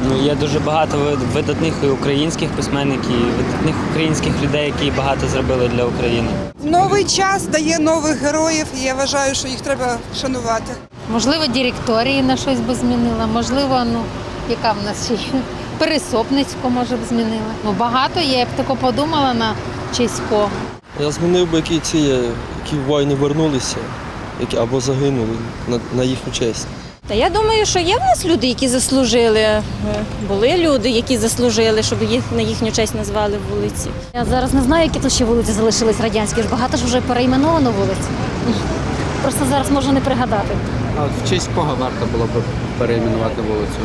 Є дуже багато видатних і українських письменників, і видатних українських людей, які багато зробили для України. Новий час дає нових героїв, і я вважаю, що їх треба шанувати. Можливо, директорії на щось би змінила, можливо, яка в нас ще є? Пересопницьку, може б, змінила. Багато є, я б тако подумала на честь кого. Я змінив би, які в війни вернулися, або загинули на їхню честь. Та я думаю, що є в нас люди, які заслужили. Були люди, які заслужили, щоб їх на їхню честь назвали вулиці. Я зараз не знаю, які тут ще вулиці залишились радянські. Багато ж вже перейменовано вулиць. Просто зараз можу не пригадати. А от в честь кого варто було б перейменувати вулицю?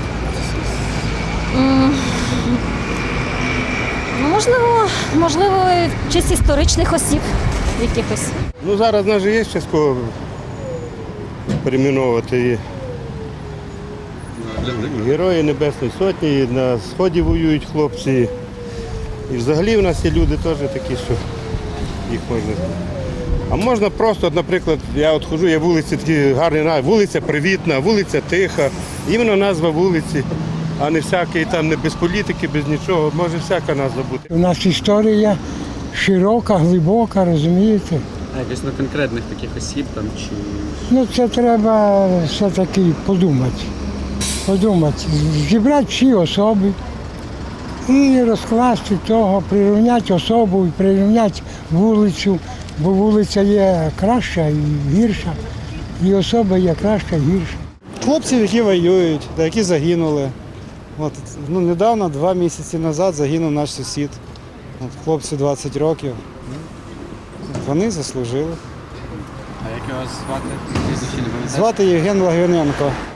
Можливо, в честь історичних осіб якихось. Зараз навіть є ще з кого перейменовувати. Герої Небесної Сотні, і на Сході воюють хлопці. І взагалі в нас є люди теж такі, що їх можна. А можна просто, наприклад, я ходжу, є вулиці такі гарні, вулиця Привітна, вулиця Тиха, іменно назва вулиці, а не всякий там, не без політики, без нічого, може всяка назва бути. У нас історія широка, глибока, розумієте? А якось на конкретних таких осіб там чи. Це треба все-таки подумати. Зібрати всі особи і розкласти того, прирівняти особу, прирівняти вулицю, бо вулиця є краща і гірша, і особа є краща і гірша. Хлопців, які воюють, які загинули. Недавно, 2 місяці назад, загинув наш сусід. Хлопцю 20 років. Вони заслужили. А як його звати? Звати Євген Лагвиненко.